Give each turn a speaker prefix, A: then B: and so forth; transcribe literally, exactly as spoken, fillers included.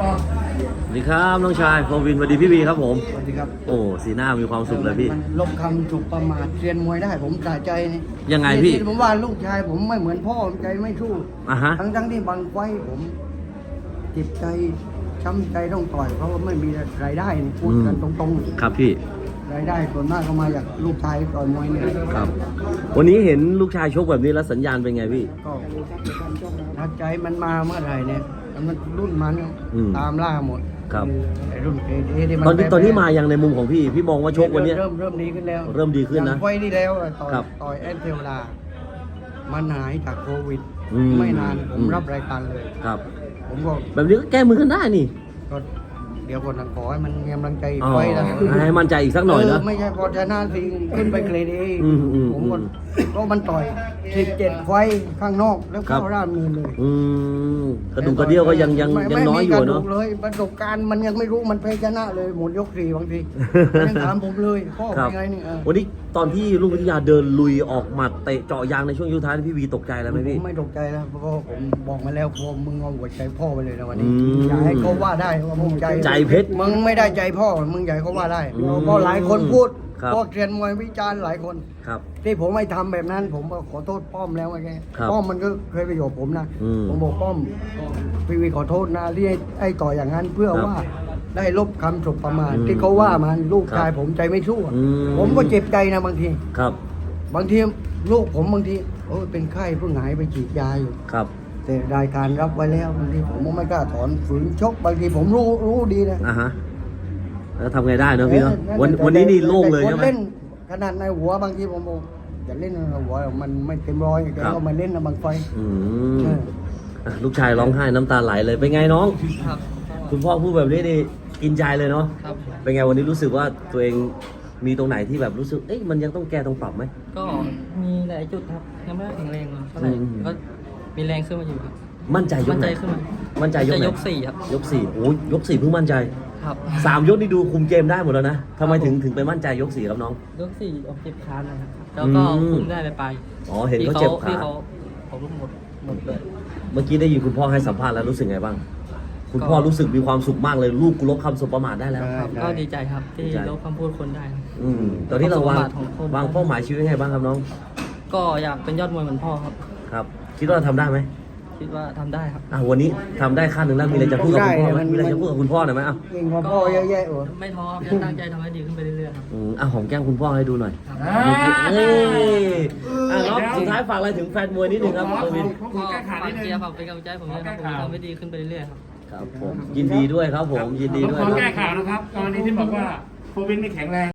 A: สวัสดีครับน้องชายโควินสวัสดีพี่วีครับผม
B: สวัสดีครับ
A: โอ้สีหน้ามีความสุขเลยพี่
B: มันลบคำถูกประมาทเรียนมวยได้ผมสะใจนี่
A: ยังไงพี่
B: ที่ผมว่าลูกชายผมไม่เหมือนพ่อผมใจไม่สู้
A: อ่ะฮะ
B: ทั้งทั้งๆที่บางไฟผมจิตใจช้ำใจต้องต่อยเพราะว่าไม่มีรายได้นี่พูดกันตรงๆ
A: ครับพี่
B: รายได้ส่วนมากก็มาจากลูกชายต่อยมวยเนี่ย
A: ครับ วันนี้เห็นลูกชายชกแบบนี้แล้วสัญญาณเป็นไงพี่
B: ก็ถ้าใจมันมาเมื่อไหร่เนี่ยมันรุ่นมัน
A: อืม
B: ตามล่าหมด
A: ครับ
B: ไอ้รุ่นเอเอที่มั
A: ตอนนี้
B: แพ้
A: ตอนนี้มายังในมุมของพี่ พี่มองว่าชกวันเนี้ย
B: เริ่มเริ่มดีขึ้นแล้ว
A: เริ่มดีขึ้นนะ
B: อย่างไฟที่แล้วอะต่อย
A: ครับ
B: ต่อยแอนเทวดามันหายจากโควิด
A: อืม
B: ไม่นานผม
A: อืม
B: รับรายการเลย
A: ครับ
B: ผมก็
A: แบบนี้ก็แก้มือกันได้นี่
B: ก็เดี๋ยวคนนั้นขอให้มันมีกำลังใจ
A: อ๋อ
B: ไว้นะ
A: ให้มั่นใจอีกสักหน่อยนะ
B: เไม่ใช่พอชนะทีขึ้นไปเกรดเอ
A: อืมอืม
B: ผมก็
A: อืม
B: ก็มันต่อยสิบเจ็ดไฟข้างนอกแล้ว
A: ครั
B: เข้า
A: บ
B: ร่ามมือเลย
A: อืมกระดูกกระเดี่ยวก็ยังยัง
B: ไม่
A: ยังน้อยอยู่
B: ไม่มีกร
A: เนาะ
B: ดูกเลยประสบการณ์มันยังไม่รู้มันแพ้ชนะเลยหมดยกสี่บางทีมันยังถามผมเลยพ่อ
A: ครับ
B: เป็นไงนี่เออ
A: วันนี้ตอนที่ลุงวิทยาเดินลุยออกหมัดเตะเจาะยางในช่วงยุคท้ายพี่วีตกใจแล้วไหม
B: ผ
A: พี่
B: มไม่ตกใจแล้วเพราะว่าผมบอกมาแล้วพ่อมึงเอาหัวใจพ่อไปเลยนะวันนี้
A: อืม
B: อย่าให้เขาว่าได้ว่ามึงใจ
A: ใจเพชร
B: มึงไม่ได้ใจพ่อมึงอย่าใหญ่เขาว่าได้
A: อืม
B: เพราะหลายคนพูด
A: ครับ
B: พวกเรียนมวยวิจารณ์หลายคน
A: ครับ
B: ที่ผมไม่ทำแบบนั้น ผมก็ขอโทษป้อมแล้วไง
A: ครับ
B: ป้อมมันก็เคยไปอยู่กับผมนะ
A: อืม
B: ผมบอกป้อมพี่วีขอโทษนะที่ให้ไอ้ต่ออย่างนั้นเพื่อ
A: ครับ
B: ว่าได้ลบคำสบประมาท
A: อืม
B: ที่เขาว่ามันลูก
A: ครับ
B: ชายผมใจไม่สู้อะ
A: อืม
B: ผมก็เจ็บใจนะบางที
A: ครับ
B: บางทีลูกผมบางทีโอ้ยเป็นไข้เพิ่งหายไปฉีดยาอยู่
A: ครับ
B: แต่รายการรับไว้แล้วบางทีผมก็ไม่กล้าถอนฝืนชกบางทีผมรู้รู้ดีนะ
A: อ่ะฮะแล้วทำไงได้เนอะพี่เนาะ
B: เออ
A: วัน
B: แต่
A: วันนี้นี่
B: แต่
A: โล่งเลย
B: แต่
A: ใช่ไหม
B: คนเล่นขนาดในหัวบางทีผมบอกอย่าเล่นในหัวมันไม่เต็มร้อยแก
A: ครับ
B: ก็มาเล่นนะบางไฟ
A: อืม
B: เออ
A: อ่ะลูกชายร้องไห้น้ำตาไหลเลยเป็นไงน้อง
C: ครับ
A: คุณพ่อพูดแบบนี้นี่กินใจเลยเนาะ
C: ครับ
A: เป็นไงวันนี้รู้สึกว่าตัวเองมีตรงไหนที่แบบรู้สึกเอ๊ะมันยังต้องแก้ต้องปรับไหม
C: ก็มีหลายจุดครับยังไม่ได้แข็งแรงเท่าไหร่
A: อืม
C: ก็มีแรงขึ้นมาอยู่ครับ
A: มั่นใจย
C: มั่
A: ก
C: น
A: ไห
C: ใจ
A: น
C: ขึ้นมา
A: มั่นใจยกไหน
C: ยกสี่ครับ
A: ยกสี่โอ้ยยกสี่เพิ่งมั่นใจ
C: ครับ
A: สามยกนี่ดูคุมเกมได้หมดแล้วนะทำไมถึงถึงไปมั่นใจยกสี่ครับน้อง
C: ยกสี่ออกเจ็บคานนะครับแล้วก็
A: อืม
C: คุมได้ไปไป
A: อ๋อเห็นเขาเจ็บขา
C: ที่เขาเขาลุกหมดหมดเลย
A: เมื่อกี้ได้ยินคุณพ่อให้สัมภาษณ์แล้วรู้สึกไงบ้าง คุณพ่อรู้สึกมีความสุขมากเลยลูกกูลบคำสบประมาทได้แล้ว
C: ครับก็ดีใจครับที่
A: ดีใจ
C: ลบคำพูดคนได้ครับ
A: อืมตอนนี้เราวาง
C: ความสามารถของคน
A: วางเป้าหมายชีวิตยังไงบ้างครับน้อง
C: ก็อยากเป็นยอดมวยเหมือนพ่อครับ
A: ครับ คิดว่าทำได้ไหม
C: คิดว่าทำได้ครับ
A: อ่ะวันนี้ทำได้ขั้นหนึ่งแล้วมีอะไรจะพูดกับคุณพ่อไหม
B: ได้มัน
A: มีอะไรจะพูดกับคุณพ่อหน่อยไหมอ่ะ
B: เก่งกว่าพ่อเยอะแยะโอ้
C: ไม่ท้อครับจะตั้งใจทำให้ดีขึ้นไปเรื่อยๆครับ
A: อืมอ่ะหอมแก้มคุณพ่อให้ดูหน่อย
C: ครับ
A: เอ้ยอ่ะน้องสุดท้ายฝากอะไรถึงแฟนมวยนิดนึงครับโควิน
C: ก็ฝากเชียร์ฝากเป็นกำลังใจให้ผมด้วยครับผมจะทำให้ดีขึ้นไปเรื่อยๆครับ
A: ครับผมยินดีด้วยครับผมยินดีด้วย
D: ขอ
A: ค
D: แก้
A: รับ
D: ข่าวนะครับกรณีที่บอกว่าโควิดไม่แข็งแรง